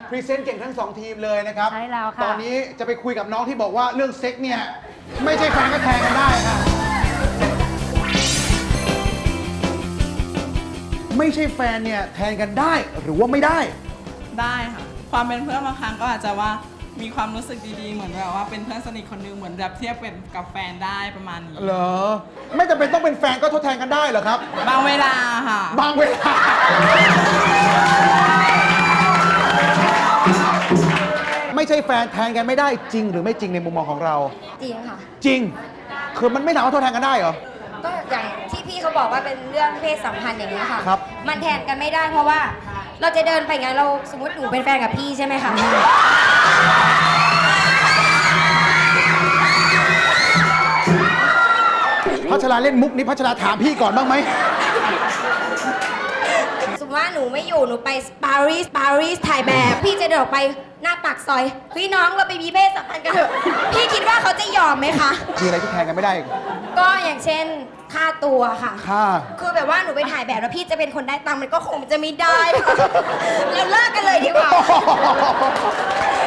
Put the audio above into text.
พรีเซนต์เก่งทั้งสองทีมเลยนะครับใช่แล้วค่ะตอนนี้จะไปคุยกับน้องที่บอกว่าเรื่องเซ็กเนี่ยไม่ใช่แฟนก็แทงกันได้ค่ะไม่ใช่แฟนเนี่ยแทนกันได้หรือว่าไม่ได้ได้ค่ะ ความเป็นเพื่อนบางครั้งก็อาจจะว่ามีความรู้สึกดีๆ เหมือนแบบว่าเป็นเพื่อนสนิทคนนึงเหมือนแบบเทียบเป็นกับแฟนได้ประมาณนี้เหรอไม่จำเป็นต้องเป็นแฟนก็ทดแทนกันได้เหรอครับบางเวลาค่ะบางเวลา ไม่ใช่แฟนแทนกันไม่ได้จริงหรือไม่จริงในมุมมองของเราจริงค่ะจริง คือมันไม่สามารถทดแทนกันได้เหรอก็อย่างที่พี่เขาบอกว่าเป็นเรื่องเพศสัมพันธ์อย่างนี้ยค่ะครับมันแทนกันไม่ได้เพราะว่าเราจะเดินไปงั้นเราสมมติหนูเป็นแฟนกับพี่ใช่ไหมคะพัชราเล่นมุกนี้พัชราถามพี่ก่อนบ้างไหมสมมติว่าหนูไม่อยู่หนูไปปารีสถ่ายแบบ พี่จะเดินออกไปหน้าปากซอยพี่น้องเราไปมีเพศสัมพันธ์กันเถอะ พี่คิดว่าเขาจะยอมไหมคะมีอะไรที่แทนกันไม่ได้อีกก็อย่างเช่นค่าตัวค่ะค่าคือแบบว่าหนูไปถ่ายแบบแล้วพี่จะเป็นคนได้ตังค์มันก็คงจะไม่ได้ค่ะ เราเลิกกันเลยดีกว่า